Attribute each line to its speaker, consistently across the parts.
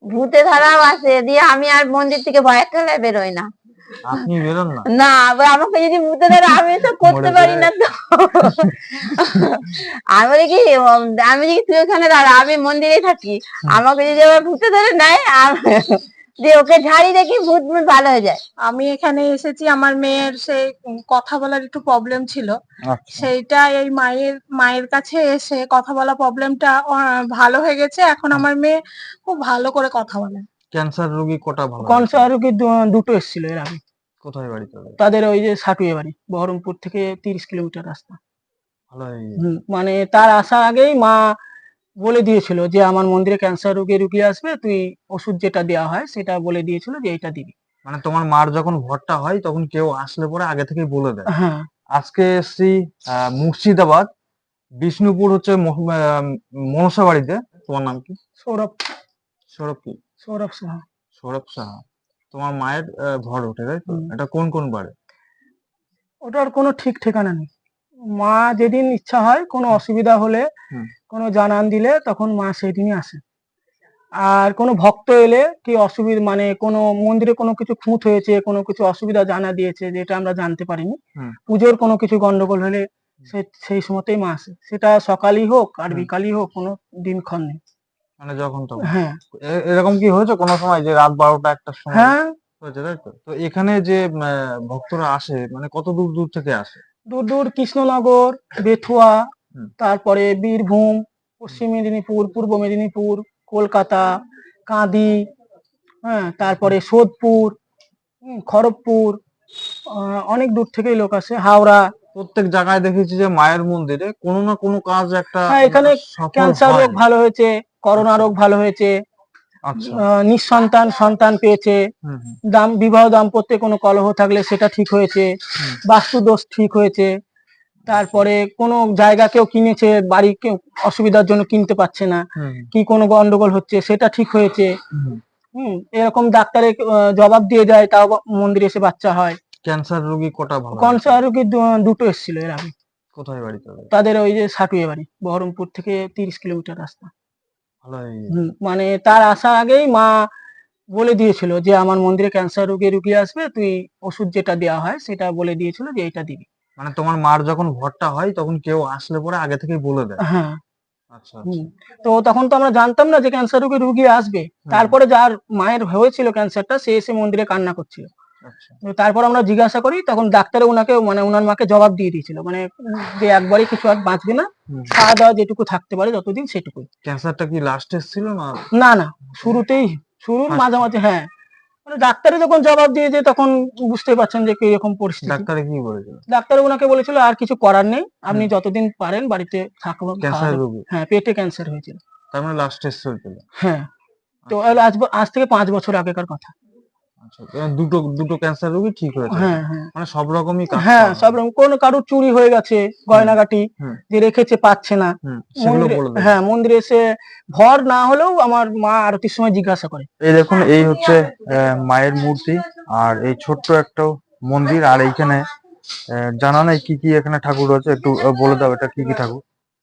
Speaker 1: ভূতে ধরাও আছে, দিয়ে আমি আর মন্দির থেকে ভয়ের ঠেলায় বেরোই না।
Speaker 2: আপনি বেরোন না?
Speaker 1: না, আমাকে যদি ভূতে ধরে আমি তো করতে পারি না তো। আমি বলি কি, আমি যদি তুই ওখানে দাঁড়া, আমি মন্দিরে থাকি, আমাকে যদি আবার ভূতে ধরে নেয়, দিয়ে ওকে ঝাড়ি দেখি ভূত ভূত ভালো হয়ে যায়।
Speaker 3: আমি এখানে এসেছি, আমার মেয়ের সেই কথা বলার একটু প্রবলেম ছিল,
Speaker 2: আচ্ছা।
Speaker 3: সেইটা এই মায়ের কাছে এসে কথা বলা প্রবলেমটা ভালো হয়ে গেছে। এখন আমার মেয়ে খুব ভালো করে কথা বলে।
Speaker 2: ক্যান্সার রোগী কটা ভালো হয়েছে?
Speaker 4: ক্যান্সার রোগী দুটো এসেছিল এর আগে।
Speaker 2: কোথায় বাড়ি তাদের?
Speaker 4: তাদের ওই যে সাটুয়ে বাড়ি, বহরমপুর থেকে 30 কিলোমিটার রাস্তা।
Speaker 2: ভালো হয়ে গেছে।
Speaker 4: মানে তার আসার আগেই মা বলে দিয়েছিল যে আমার মন্দিরে ক্যান্সার রোগী আসবে, তুই ওষুধ যেটা দেওয়া হয় সেটা বলে দিয়েছিল যে এটা দিবি।
Speaker 2: মানে তোমার মার যখন ভরটা হয় তখন কেউ আসলে পরে আগে থেকেই বলে দেয়।
Speaker 4: হ্যাঁ।
Speaker 2: আজকে এসছি মুর্শিদাবাদ, বিষ্ণুপুর হচ্ছে মনসা বাড়িতে। তোমার নাম কি?
Speaker 4: সৌরভ।
Speaker 2: সৌরভ কি?
Speaker 4: সৌরভ সাহা।
Speaker 2: সৌরভ সাহা। তোমার মায়ের ভর ওঠে, তাই তো? এটা কোন কোন বারে?
Speaker 4: ওটার কোনো ঠিক ঠিকানা নেই। মা যেদিন ইচ্ছা হয়, কোনো অসুবিধা হলে, কোনো জানান দিলে তখন মা সেদিনই আসে। আর কোনো ভক্ত এলে কি অসুবিধা, মানে কোনো মন্দিরে কোনো কিছু খুঁত হয়েছে, কোনো কিছু অসুবিধা জানা দিয়েছে যেটা আমরা জানতে পারিনি, পুজোর কোনো কিছু গন্ডগোল হলে সেই সময়তেই মা আসে। সেটা সকালই হোক আর বিকালই হোক, কোনো দিনক্ষণ নেই।
Speaker 2: মানে যখন তখন?
Speaker 4: হ্যাঁ।
Speaker 2: এরকম কি হয়েছে কোনো সময় যে রাত 12টা 1টার সময়?
Speaker 4: হ্যাঁ
Speaker 2: হয়েছে, তাই তো? তো এখানে যে ভক্তরা আসে, মানে কত দূর দূর থেকে আসে?
Speaker 4: দূর দূর, কৃষ্ণনগর, বেথুয়া, তারপরে বীরভূম, পশ্চিম মেদিনীপুর, পূর্ব মেদিনীপুর, কলকাতা, কাঁদি, হ্যাঁ, তারপরে সোদপুর, খড়গপুর, অনেক দূর থেকেই লোক আসে, হাওড়া।
Speaker 2: প্রত্যেক জায়গায় দেখেছি যে মায়ের মন্দিরে কোনো না কোনো কাজ একটা।
Speaker 4: হ্যাঁ, এখানে ক্যান্সার রোগ ভালো হয়েছে, করোনা রোগ ভালো হয়েছে, নিঃসন্তান সন্তান পেয়েছে, বিবাহ দাম্পত্যে কোনো কলহ থাকলে সেটা ঠিক হয়েছে, বাস্তু দোষ ঠিক হয়েছে, তারপরে কোনো জায়গা কেউ কিনেছে, বাড়ি কেউ অসুবিধার জন্য কিনতে পারছে না, কি কোনো গন্ডগোল হচ্ছে, সেটা ঠিক হয়েছে। এরকম ডাক্তারে জবাব দিয়ে যায়, তাও মন্দিরে এসে বাচ্চা হয়।
Speaker 2: ক্যান্সার রোগী কটা ভালো?
Speaker 4: ক্যান্সার রোগী দুটো এসেছিল এর আগে।
Speaker 2: কোথায় বাড়ি তাদের?
Speaker 4: তাদের ওই যে সাটুয়ে বাড়ি, বহরমপুর থেকে 30 কিলোমিটার রাস্তা।
Speaker 2: ভালো হয়ে গেছে।
Speaker 4: মানে তার আসার আগেই মা বলে দিয়েছিল যে আমার মন্দিরে ক্যান্সার রোগী আসবে, তুই ওষুধ যেটা দেওয়া হয় সেটা বলে দিয়েছিল যে এটা দিবি।
Speaker 2: মানে তোমার মার যখন ভরটা হয় তখন কেউ আসলে পরে আগে থেকেই বলে দেয়?
Speaker 4: হ্যাঁ।
Speaker 2: আচ্ছা।
Speaker 4: তো তখন তো আমরা জানতাম না যে ক্যান্সার রোগী আসবে। তারপরে যার মায়ের হয়েছিল ক্যান্সারটা, সে এসে মন্দিরে কান্না করছিল। তারপর আমরা জিজ্ঞাসা করি, তখন ডাক্তার ওনাকে, মানে ওনার মাকে জবাব দিয়ে দিয়েছিল, মানে যে একবারই কিছু আর বাঁচবে না, খাওয়া দাওয়া যেটুকু থাকতে পারে যতদিন সেটুকুই।
Speaker 2: ক্যান্সারটা কি লাস্ট ছিল না?
Speaker 4: না না, শুরুর মাঝামাঝি। হ্যাঁ, মানে ডাক্তারে যখন জবাব দিয়েছে তখন বুঝতে পারছেন যে কিরকম পরিস্থিতি।
Speaker 2: ডাক্তারে কি বলেছিল?
Speaker 4: ডাক্তার ওনাকে বলেছিল আর কিছু করার নেই, আপনি যতদিন পারেন বাড়িতে থাকুন। হ্যাঁ, পেটে ক্যান্সার হয়েছিল।
Speaker 2: তার মানে লাস্ট স্টেজ চলছিল।
Speaker 4: হ্যাঁ, তো আজ থেকে 5 বছর আগেকার কথা।
Speaker 2: আচ্ছা, দুটো ক্যান্সার রোগী ঠিক হয়েছে।
Speaker 4: হ্যাঁ হ্যাঁ,
Speaker 2: মানে সব রকমই কাজ।
Speaker 4: হ্যাঁ, সব রকম। কোন কারোর চুরি হয়ে গেছে, গয়নাগাটি যে রেখেছে পাচ্ছে না, হ্যাঁ, মন্দিরে এসে ভর না হলেও আমার মা আরতির সময় জিজ্ঞাসা করে।
Speaker 2: এই দেখুন, এই হচ্ছে মায়ের মূর্তি, আর এই ছোট্ট একটা মন্দির। আর এইখানে জানা নাই কি কি এখানে ঠাকুর রয়েছে, একটু বলে দাও এটা কি কি ঠাকুর?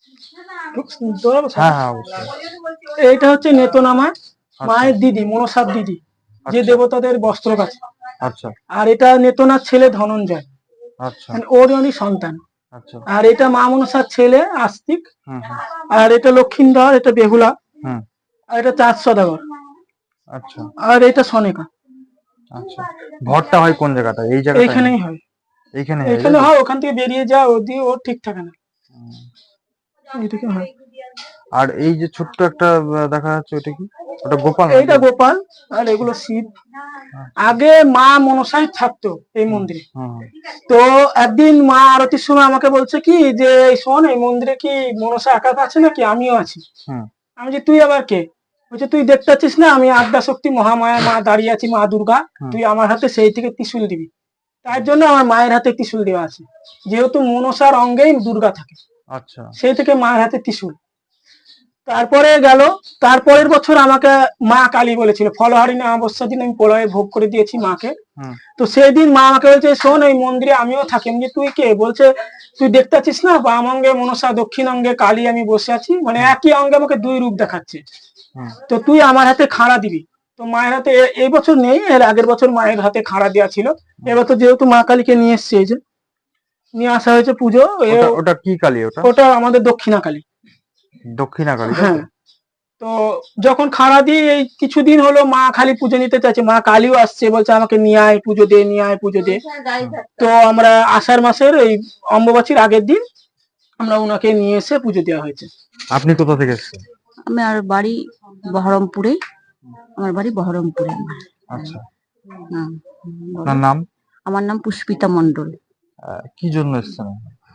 Speaker 2: হ্যাঁ হ্যাঁ, অবশ্যই।
Speaker 4: এইটা হচ্ছে নেতনামা, মায়ের দিদি, মনসার দিদি, যে দেবতাদের বস্ত্র কাছে।
Speaker 2: আচ্ছা।
Speaker 4: আর এটা নেতনার ছেলে ধনঞ্জয়, আচ্ছা, ওরই সন্তান। আচ্ছা। আর এটা মা মনসার ছেলে আস্তিক। আর এটা লক্ষিন্দর, এটা বেহুলা। আর এটা 4 সদাগর। আচ্ছা। আর এটা সনেকা। আচ্ছা।
Speaker 2: ভরটা হয় কোন জায়গাটা? এই জায়গাটা?
Speaker 4: এখানেই হয়।
Speaker 2: এখানে
Speaker 4: হয়, ওখান থেকে বেরিয়ে যা, ও ঠিক থাকে না। এটাকে হয়।
Speaker 2: আর এই যে ছোট্ট একটা দেখা যাচ্ছে, ওটা কি? ওটা গোপাল?
Speaker 4: এইটা গোপাল, আর এগুলো শিব। আগে মা মনসাই থাকতো এই মন্দিরে। তো একদিন মা আরতির সময় আমাকে বলছে কি যে শোন, এই মন্দিরে কি মনসা একা আছে নাকি? আমিও আছি। আমি যে তুই আবার কে? বলছে তুই দেখতে পাচ্ছিস না, আমি আদ্যা শক্তি মহামায়া মা দাঁড়িয়ে আছি, মা দুর্গা, তুই আমার হাতে সেই থেকে ত্রিশূল দিবি। তার জন্য আমার মায়ের হাতে ত্রিশূল দেওয়া আছে, যেহেতু মনসার অঙ্গেই দুর্গা থাকে। আচ্ছা। সেই থেকে মায়ের হাতে ত্রিশূল। তারপরে গেল, তারপরের বছর আমাকে মা কালী বলেছিল, ফলহারিণী অমাবস্যার দিন আমি প্রলয়ের ভোগ করে দিয়েছি মাকে। তো সেই দিন মা আমাকে বলছে শোন, এই মন্দিরে আমিও থাকি। আমি যে তুই কে? বলছে তুই দেখতে পাচ্ছিস না, বাম অঙ্গে মনসা, দক্ষিণ অঙ্গে কালী, আমি বসে আছি, মানে একই অঙ্গে আমাকে 2 রূপ দেখাচ্ছে। তো তুই আমার হাতে খাড়া দিবি, তো মায়ের হাতে এই বছর নেই, এর আগের বছর মায়ের হাতে খাড়া দেওয়া ছিল। এবার তো যেহেতু মা কালীকে নিয়ে এসছে, এই যে নিয়ে আসা হয়েছে পুজো।
Speaker 2: ওটা কি কালী? ওটা
Speaker 4: ওটা আমাদের দক্ষিণা কালী।
Speaker 2: দক্ষিণা কালী, তাই তো?
Speaker 4: হ্যাঁ। তো যখন খাড়া দিই, এই কিছুদিন হলো মা খালি পুজো নিতে চাইছে, মা কালীও আসছে, বলছে আমাকে নিয়ে আয় পুজো দে, নিয়ে আয় পুজো দে। তো আমরা আষাঢ় মাসের এই অম্বুবাচীর আগের দিন আমরা ওনাকে নিয়ে এসে পুজো দেওয়া হয়েছে।
Speaker 2: আপনি কোথা থেকে এসেছেন?
Speaker 5: আমার বাড়ি বহরমপুরে। আমার বাড়ি বহরমপুরে।
Speaker 2: আচ্ছা,
Speaker 5: হ্যাঁ,
Speaker 2: আপনার নাম?
Speaker 5: আমার নাম পুষ্পিতা মণ্ডল।
Speaker 2: কি জন্য এসেছেন?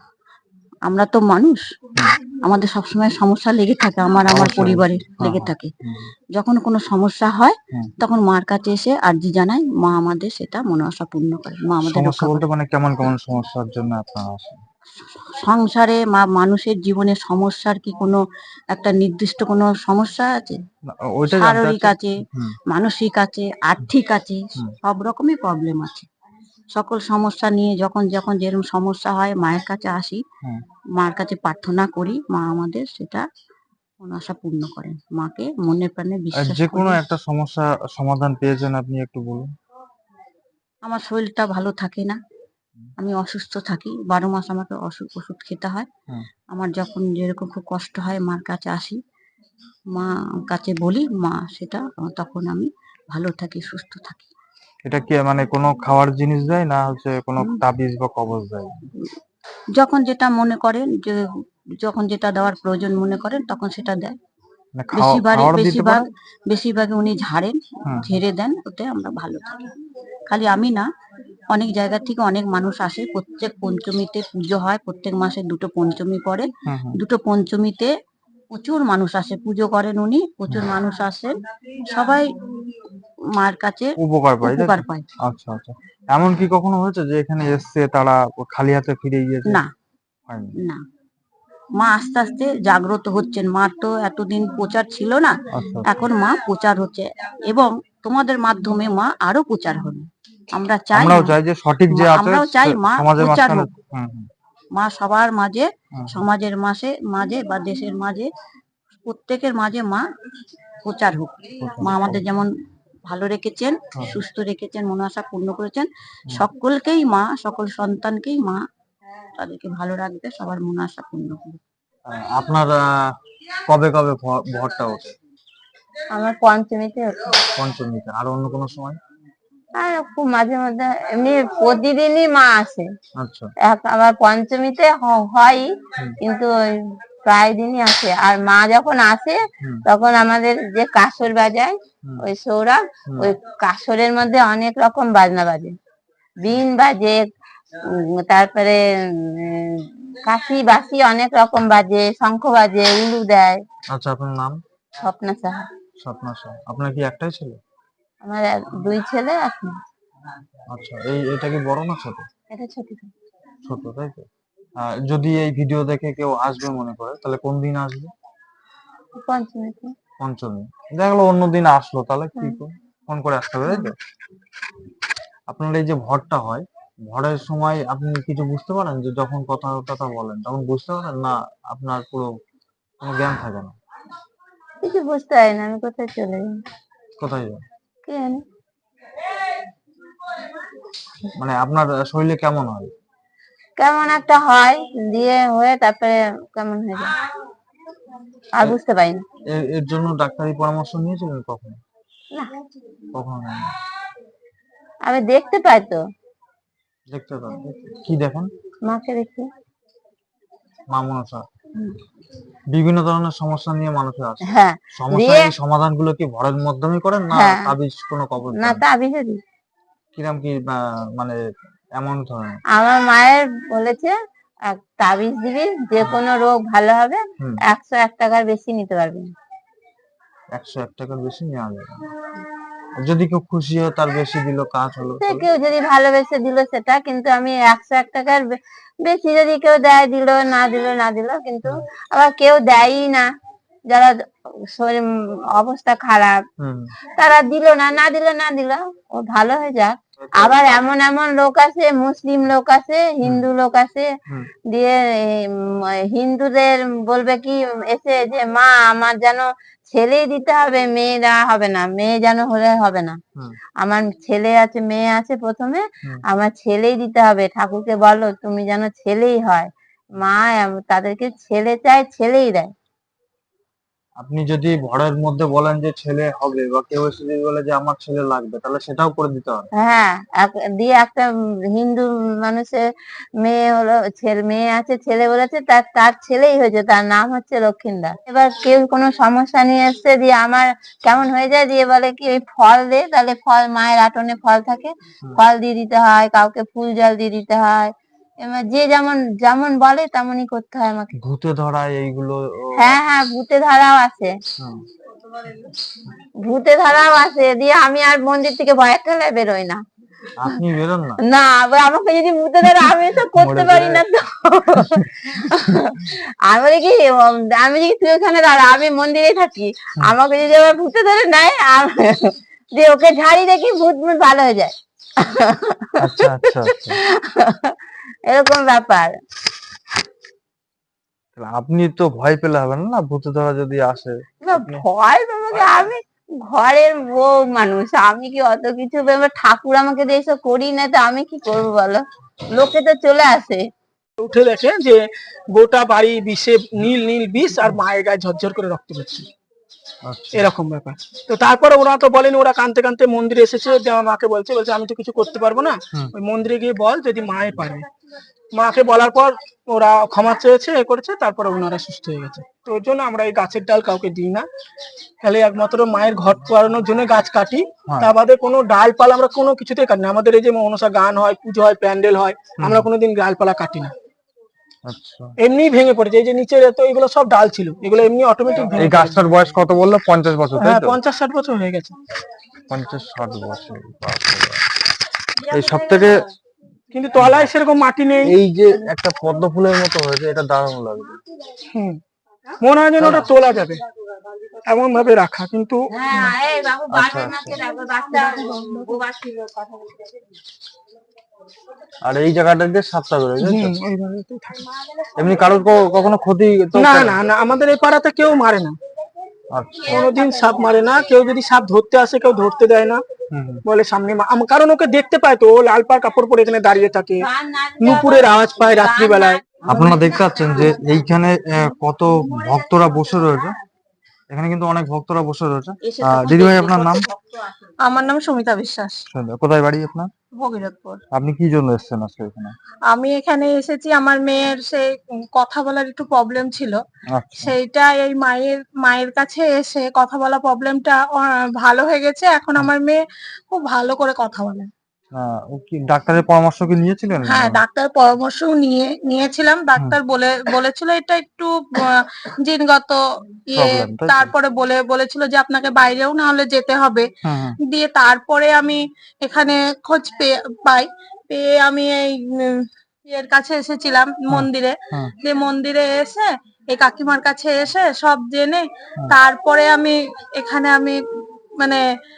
Speaker 5: আমরা তো মানুষ, আমাদের সবসময় সমস্যা লেগে থাকে, আমার
Speaker 2: অবশ্যই,
Speaker 5: পরিবারে
Speaker 2: হ্যাঁ,
Speaker 5: লেগে
Speaker 2: হ্যাঁ।
Speaker 5: থাকে। যখন কোনো সমস্যা হয়
Speaker 2: হুম।
Speaker 5: তখন মার কাছে এসে আর্জি জানাই, মা আমাদের সেটা মনোবাসা পূর্ণ করে, মা আমাদের
Speaker 2: সমস্যা
Speaker 5: রক্ষা
Speaker 2: বলতে
Speaker 5: করে।
Speaker 2: মানে কেমন কেমন সমস্যার জন্য আপনারা আসেন?
Speaker 5: সংসারে মানুষের জীবনে সমস্যার কি কোনো একটা নির্দিষ্ট কোনো সমস্যা আছে?
Speaker 2: না, ওইটা জানতে
Speaker 5: শারীরিক
Speaker 2: চাচ্ছি।
Speaker 5: আছে,
Speaker 2: হুম,
Speaker 5: মানসিক আছে, আর্থিক আছে,
Speaker 2: হুম।
Speaker 5: সব রকমই প্রবলেম আছে। সকল সমস্যা নিয়ে যখন যখন যেরকম সমস্যা হয় মায়ের কাছে আসি,
Speaker 2: হুম।
Speaker 5: মার কাছে প্রার্থনা করি, মা আমাদের সেটা মনোবাসা পূর্ণ করেন। মাকে মনে প্রাণে বিশ্বাস
Speaker 2: যে কোনো
Speaker 5: করি।
Speaker 2: একটা সমস্যা সমাধান পেয়েছেন আপনি, একটু বলুন।
Speaker 5: আমার শরীরটা ভালো থাকে না, আমি অসুস্থ থাকি, 12 মাস আমাকে ওষুধ খেতে হয়।
Speaker 2: হুম।
Speaker 5: আমার যখন যেরকম খুব কষ্ট হয় মার কাছে আসি, মা কাছে বলি, মা সেটা তখন আমি ভালো থাকি, সুস্থ থাকি।
Speaker 2: এটা কি মানে কোনো খাওয়ার জিনিস দেয়, না হচ্ছে কোনো তাবিজ বা কবজ দেয়?
Speaker 5: যখন যেটা মনে করেন, যে যখন যেটা দেওয়ার প্রয়োজন মনে করেন তখন সেটা দেয়।
Speaker 2: মানে খাওয়ার দিতে পারে?
Speaker 5: বেশিরভাগ উনি ঝাড়েন,
Speaker 2: হুম।
Speaker 5: ঝেড়ে দেন, ওতে আমরা ভালো থাকি। খালি আমি না, অনেক জায়গা থেকে অনেক মানুষ আসে। প্রত্যেক পঞ্চমীতে পুজো হয়, প্রত্যেক মাসে 2টো পঞ্চমী পড়ে।
Speaker 2: হুম, হুম।
Speaker 5: 2টো পঞ্চমীতে প্রচুর মানুষ আসে, পুজো করেন উনি, প্রচুর মানুষ আসেন, সবাই মার কাছে
Speaker 2: উপকার পাই, তাই তো?
Speaker 5: উপকার পায়।
Speaker 2: আচ্ছা, আচ্ছা। এমন কি কখনো হয়েছে যে এখানে এসছে তারা খালি হাতে ফিরে গিয়েছে?
Speaker 5: না,
Speaker 2: হয়নি।
Speaker 5: না, মা আস্তে আস্তে জাগ্রত হচ্ছেন। মার তো এতদিন প্রচার ছিল না,
Speaker 2: আচ্ছা,
Speaker 5: এখন মা প্রচার হচ্ছে, এবং তোমাদের মাধ্যমে মা আরো প্রচার হবে। আমরা চাই,
Speaker 2: আমরাও চাই যে সঠিক যে আছে
Speaker 5: আমরাও চাই মা
Speaker 2: সমাজের
Speaker 5: প্রচার
Speaker 2: মাঝখানে।
Speaker 5: হোক,
Speaker 2: হুম, হুম,
Speaker 5: মা সবার মাঝে,
Speaker 2: হুম।
Speaker 5: সমাজের মাঝে বা দেশের মাঝে, প্রত্যেকের মাঝে মা প্রচার হোক। মা আমাদের যেমন ভালো রেখেছেন, সুস্থ রেখেছেন, মনোবাসা পূর্ণ করেছেন, সকলকেই মা, সকল সন্তানকেই মা তাদেরকে ভালো রাখবে, সবার মনোবাসা পূর্ণ করবে।
Speaker 2: আপনার কবে কবে ভরটা ওঠে?
Speaker 1: আমার পঞ্চমীতে হতো।
Speaker 2: পঞ্চমীতে? আর অন্য কোনো সময়?
Speaker 1: আর খুব মাঝে মধ্যে, এমনি প্রতিদিনই মা আসে।
Speaker 2: আচ্ছা।
Speaker 1: আবার পঞ্চমীতে হয়, কিন্তু ওই প্রায় দিনই আসে। আর মা যখন আসে
Speaker 2: হুম।
Speaker 1: তখন আমাদের যে কাসর বাজায়,
Speaker 2: হুম।
Speaker 1: ওই সৌরভ, ওই কাসরের মধ্যে অনেক রকম বাজনা বাজে, বিন বাজে, তারপরে কাশি বাসি অনেক রকম বাজে, শঙ্খ বাজে, উলু দেয়।
Speaker 2: আচ্ছা, আপনার নাম?
Speaker 1: স্বপ্না সাহা।
Speaker 2: স্বপ্না সাহা। আপনার কি একটাই ছেলে?
Speaker 1: আমার 2 ছেলে আছে।
Speaker 2: আচ্ছা, এটা কি বড় না ছোট?
Speaker 1: এটা ছোট।
Speaker 2: ছোট, তাই তো? যদি এই ভিডিও দেখে কেউ আসবে মনে করে, তাহলে কোন দিন আসবে?
Speaker 1: পঞ্চমীতে।
Speaker 2: পঞ্চমী। দেখা গেলো অন্যদিন আসলো, তাহলে কি ফোন করে আসতে হবে, তাই তো? আপনার এই যে ভরটা হয়, ভরের সময় আপনি কিছু বুঝতে পারেন, যে যখন কথা টথা বলেন তখন বুঝতে পারেন, না আপনার পুরো কোনো জ্ঞান থাকে না?
Speaker 1: কিছু বুঝতে পারি না, আমি কোথায় চলে যাই,
Speaker 2: কোথায় যান?
Speaker 1: কে জানে।
Speaker 2: মানে আপনার শরীরে কেমন হয়?
Speaker 1: কেমন একটা হয়, দিয়ে হয়ে তারপরে কেমন হয়ে যায়, আর বুঝতে পারি না।
Speaker 2: এর জন্য ডাক্তারি পরামর্শ নিয়েছিলেন কখনো?
Speaker 1: না,
Speaker 2: কখনো নেন?
Speaker 1: আমি দেখতে পাই তো,
Speaker 2: দেখতে পান? কি দেখেন?
Speaker 1: মাকে দেখি।
Speaker 2: মা মনসা। বিভিন্ন ধরনের সমস্যা নিয়ে মানুষের আসে।
Speaker 1: হ্যাঁ,
Speaker 2: সমস্যা,
Speaker 1: দিয়ে
Speaker 2: এই সমাধানগুলো কি ভরের মাধ্যমে করেন, না
Speaker 1: হ্যাঁ,
Speaker 2: তাবিজ কোনো কবজ
Speaker 1: না
Speaker 2: দেন?
Speaker 1: তাবিজও দিই।
Speaker 2: কিরকম কি মানে এমন ধরনের?
Speaker 1: আমার মায়ের বলেছে, তাবিজ দিবি, যে কোনো রোগ ভালো হবে,
Speaker 2: হুম।
Speaker 1: 101 টাকার বেশি নিতে পারবি না।
Speaker 2: 101 টাকার বেশি নেওয়া যাবে না। যদি কেউ খুশি হয়, তার বেশি দিল, কাজ হলো,
Speaker 1: সে
Speaker 2: তাহলে?
Speaker 1: কেউ যদি ভালোবেসে দিল সেটা, কিন্তু আমি 101 টাকার বেশি যদি কেউ দেয় দিল, না দিল, কিন্তু আবার কেউ দেয়ই না, যারা শরীর অবস্থা খারাপ,
Speaker 2: হুম।
Speaker 1: তারা দিল না দিল, ও ভালো হয়ে যাক। আবার এমন এমন লোক আছে, মুসলিম লোক আছে, হিন্দু লোক আছে,
Speaker 2: হুম।
Speaker 1: দিয়ে হিন্দুদের বলবে কি এসে, যে মা আমার যেন ছেলেই দিতে হবে, মেয়েরা হবে না, মেয়ে যেন হলে হবে না।
Speaker 2: হুম।
Speaker 1: আমার ছেলে আছে, মেয়ে আছে, প্রথমে
Speaker 2: হুম।
Speaker 1: আমার ছেলেই দিতে হবে। ঠাকুরকে বলো তুমি যেন ছেলেই হয়। মা তাদেরকে ছেলে চায়, ছেলেই দেয়।
Speaker 2: আপনি যদি ঘরের মধ্যে বলেন যে ছেলে হবে, বা কেউ এসে যদি বলে যে আমার ছেলে লাগবে, তাহলে সেটাও করে দিতে হবে।
Speaker 1: হ্যাঁ, দিয়ে একটা হিন্দু মানুষের মেয়ে হলো, ছেলে মেয়ে আছে, ছেলে বলেছে, তার তার ছেলেই হয়েছে, তার নাম হচ্ছে লক্ষিন্দর। এবার কেউ কোনো সমস্যা নিয়ে এসছে, দিয়ে আমার কেমন হয়ে যায়, দিয়ে বলে কি ওই ফল দে, তাহলে ফল, মায়ের আটনে ফল থাকে, ফল দিয়ে দিতে হয়, কাউকে ফুল জল দিয়ে দিতে হয়। এবার যে যেমন যেমন বলে তেমনই করতে হয় আমাকে।
Speaker 2: ভূতে ধরা এইগুলো
Speaker 1: হ্যাঁ হ্যাঁ, ভূতে ধরাও আছে,
Speaker 2: হুম।
Speaker 1: ভূতে ধরাও আছে। দিয়ে আমি আর মন্দির থেকে ভয়ের ঠেলায় বেরোই না।
Speaker 2: আপনি বেরোন না?
Speaker 1: না, আবার আমাকে যদি ভূতে ধরে আমি তো করতে
Speaker 2: মরে
Speaker 1: পারি
Speaker 2: যায়।
Speaker 1: না তো। আমি বলি কি, আমি যদি তুই ওখানে দাঁড়া, আমি মন্দিরে থাকি, আমাকে যদি আবার ভূতে ধরে নেয়, দিয়ে ওকে ঝাড়ি দেখি ভূত ভূত ভালো হয়ে যায়।
Speaker 2: আচ্ছা আচ্ছা আচ্ছা।
Speaker 1: এরকম ব্যাপার।
Speaker 2: তাহলে আপনি তো ভয় পেলে হবে না, না ভূতে ধরা যদি আসে।
Speaker 1: না, ভয় পাবো কি? আমি ঘরের বউ মানুষ, আমি কি অত কিছু এবার ঠাকুর আমাকে দিয়ে এসব করি না, তো আমি কি করবো বলো? লোকে তো চলে আসে।
Speaker 4: উঠে দেখে যে গোটা বাড়ি বিষে, নীল নীল বিষ, আর মায়ের গায়ে ঝরঝর করে রক্ত পড়ছে,
Speaker 2: আচ্ছা।
Speaker 4: এরকম ব্যাপার। তো তারপরে ওরা তো বলেনি, ওরা কানতে কানতে মন্দিরে এসেছে, দিয়ে আমার মাকে বলছে আমি তো কিছু করতে পারবো না, ওই মন্দিরে গিয়ে বল যদি মায়ে পারে। মাকে বলার পর ওরা ক্ষমা চেয়েছে, এ করেছে, তারপরে ওনারা সুস্থ হয়ে গেছে। তো ওই জন্য আমরা এই গাছের ডাল কাউকে দিই না, খালি একমাত্র মায়ের ঘট করানোর জন্য গাছ কাটি। তা বাদে কোনো ডালপালা আমরা কোনো কিছুতেই কাটি না। আমাদের এই যে মনসা গান হয়, পুজো হয়, প্যান্ডেল হয়, আমরা কোনোদিন ডালপালা কাটি না।
Speaker 2: আচ্ছা।
Speaker 4: এমনি ভেঙে পড়েছে, এই যে নিচে তো এগুলো সব ডাল ছিল, এগুলো এমনি অটোমেটিক ভেঙে
Speaker 2: এই গাছটার বয়স কত বললো? 50 বছর, তাই
Speaker 4: হ্যাঁ,
Speaker 2: তো?
Speaker 4: 50-60 বছর হয়ে গেছে।
Speaker 2: 50-60 বছর, বাপরে বাপ। এই সব থেকে
Speaker 4: কিন্তু তলায় সেরকম মাটি নেই।
Speaker 2: এই যে একটা পদ্ম ফুলের মতো হয়েছে, এটা দারুণ লাগছে।
Speaker 4: হুম, মনে হয় যেন ওটা তোলা যাবে, এমন ভাবে রাখা, কিন্তু
Speaker 1: হ্যাঁ, এই বাবু
Speaker 2: আচ্ছা
Speaker 1: বারবার মাকে ডাকো, বাচ্চা বোবা ছিল, কথা বলতে।
Speaker 2: আর এই জায়গাটা দিয়ে সাপটা বেরোয়, তাই তো?
Speaker 4: ওইভাবেই থাকে।
Speaker 2: এমনি কারোর কখনো ক্ষতি তো
Speaker 4: না
Speaker 2: করে?
Speaker 4: না না, আমাদের এই পাড়াতে কেউ মারে না,
Speaker 2: আচ্ছা।
Speaker 4: কোনোদিন সাপ মারে না। কেউ যদি সাপ ধরতে আসে, কেউ ধরতে দেয় না, বলে সামনে কারণ ওকে দেখতে পায় তো, ও লাল পাড় কাপড় পরে এখানে দাঁড়িয়ে থাকে, নুপুরের আওয়াজ পায় রাত্রিবেলায়।
Speaker 2: আপনারা দেখতে পাচ্ছেন যে এইখানে কত ভক্তরা বসে রয়েছে। এখানে কিন্তু অনেক ভক্তরা বসে রয়েছে। দিদিভাই, আপনার নাম?
Speaker 3: আমার নাম সুমিতা বিশ্বাস,
Speaker 2: সুন্দর। কোথায় বাড়ি আপনার?
Speaker 3: ভগীরথপুর।
Speaker 2: আপনি কি জন্য এসেছেন আজকে এখানে?
Speaker 3: আমি এখানে এসেছি, আমার মেয়ের সেই কথা বলার একটু প্রবলেম ছিল,
Speaker 2: আচ্ছা।
Speaker 3: সেইটা এই মায়ের কাছে এসে কথা বলা প্রবলেমটা ভালো হয়ে গেছে। এখন আমার মেয়ে খুব ভালো করে কথা বলে।
Speaker 2: ও কি ডাক্তারের পরামর্শ কি নিয়েছিলেন?
Speaker 3: হ্যাঁ, ডাক্তারের পরামর্শও নিয়েছিলাম। ডাক্তার বলেছিল এটা একটু জিনগত ইয়ে।
Speaker 2: প্রবলেম, তাই তো?
Speaker 3: তারপরে বলেছিল যে আপনাকে বাইরেও না হলে যেতে হবে। দিয়ে তারপরে আমি এখানে খোঁজ পেয়ে আমি এই এর কাছে এসেছিলাম মন্দিরে। যে মন্দিরে এসে এই কাকিমার কাছে এসে সব জেনে তারপরে আমি এখানে মানে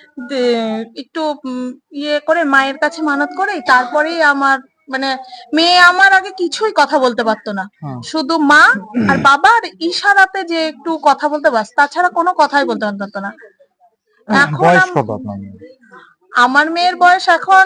Speaker 3: একটু ইয়ে করে মায়ের কাছে মানত করে, তারপরেই আমার মানে মেয়ে আমার আগে কিছুই কথা বলতে পারতো না, শুধু মা আর বাবার ইশারাতে যে একটু কথা বলতে বাস, তাছাড়া কোনো কথাই বলতে পারতো না। এখন
Speaker 2: বয়স কত আপনার মেয়ের?
Speaker 3: আমার মেয়ের বয়স এখন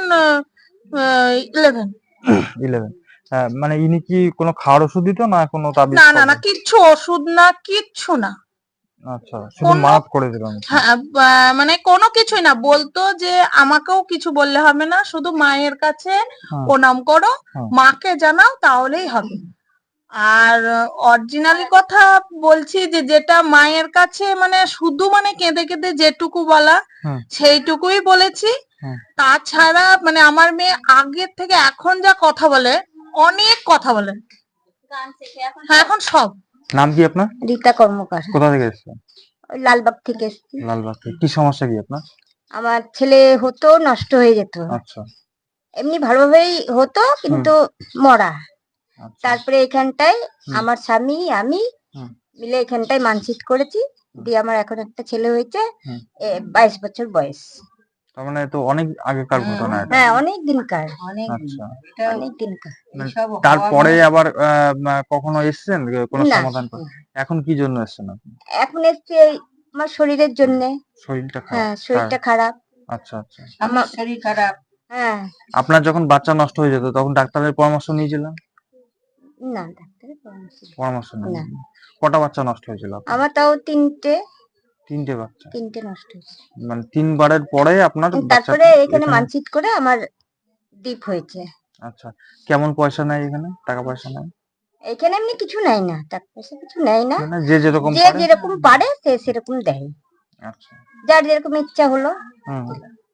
Speaker 3: 11।
Speaker 2: 11। মানে ইনি কি কোনো খাওয়ার ওষুধ দিত, না কোনো তাবিজ?
Speaker 3: না না না, কিচ্ছু ওষুধ না, কিচ্ছু না।
Speaker 2: আচ্ছা, শুধু মাপ করে দিলাম।
Speaker 3: হ্যাঁ, মানে কোনো কিছুই না, বলতো যে আমাকেও কিছু বললে হবে না, শুধু মায়ের কাছে প্রণাম করো, মাকে জানাও, তাহলেই হবে। আর অরিজিনালি কথা বলছি, যে যেটা মায়ের কাছে মানে শুধু মানে কেঁদে কেঁদে যেটুকু বলা, সেইটুকুই বলেছি। তাছাড়া মানে আমার মেয়ে আগের থেকে এখন যা কথা বলে, অনেক কথা বলে। হ্যাঁ, এখন সব।
Speaker 2: নাম কি আপনার?
Speaker 5: রীতা কর্মকার,
Speaker 2: কোথা থেকে এসেছেন?
Speaker 5: ওই লালবাগ থেকে এসেছি।
Speaker 2: লালবাগ থেকে। কি সমস্যা কি আপনার?
Speaker 5: আমার ছেলে হতো, নষ্ট হয়ে যেত,
Speaker 2: আচ্ছা।
Speaker 5: এমনি ভালোভাবেই হতো, কিন্তু মরা।
Speaker 2: আচ্ছা।
Speaker 5: তারপরে এখানটায় আমার স্বামী আমি মিলে এখানটায় মানসিক করেছি, দিয়ে আমার এখন একটা ছেলে হয়েছে, 22 বছর বয়স।
Speaker 2: তার মানে তো অনেক আগেকার ঘটনা এটা।
Speaker 5: হ্যাঁ, অনেক দিনকার,
Speaker 2: আচ্ছা।
Speaker 5: অনেক দিনকার।
Speaker 2: তারপরে আবার কখনো এসেছেন কোনো
Speaker 5: না।
Speaker 2: সমাধান করে? এখন কি জন্য এসেছেন আপনি?
Speaker 5: এখন এসছে
Speaker 6: আমার শরীরের জন্য।
Speaker 2: শরীরটা
Speaker 6: হ্যাঁ,
Speaker 2: খারাপ?
Speaker 6: শরীরটা খারাপ।
Speaker 2: আচ্ছা আচ্ছা।
Speaker 5: আমার শরীর খারাপ।
Speaker 6: হ্যাঁ।
Speaker 2: আপনার যখন বাচ্চা নষ্ট হয়ে যেত তখন ডাক্তারের পরামর্শ নিয়েছিলেন?
Speaker 6: না, ডাক্তারের পরামর্শ নেই।
Speaker 2: পরামর্শ নেই।
Speaker 6: না।
Speaker 2: কটা বাচ্চা নষ্ট হয়েছিল আপনার?
Speaker 6: আমার তাও 3টে
Speaker 2: বাচ্চা।
Speaker 6: নষ্ট হয়েছে।
Speaker 2: মানে 3 বারের পরে আপনার
Speaker 6: তারপরে
Speaker 2: বাচ্চাটা
Speaker 6: এখানে মানসিক করে আমার ডিপ হয়েছে।
Speaker 2: আচ্ছা। কেমন পয়সা নেয় এখানে? টাকা পয়সা নেয়?
Speaker 6: এখানে এমনি কিছু নেয় না, টাকা পয়সা কিছু নেয় না।
Speaker 2: মানে যে যেরকম
Speaker 6: যে
Speaker 2: পারে?
Speaker 6: যেরকম পারে সে সেরকম দেয়।
Speaker 2: আচ্ছা।
Speaker 6: যার যেরকম ইচ্ছা হলো।
Speaker 2: হুম।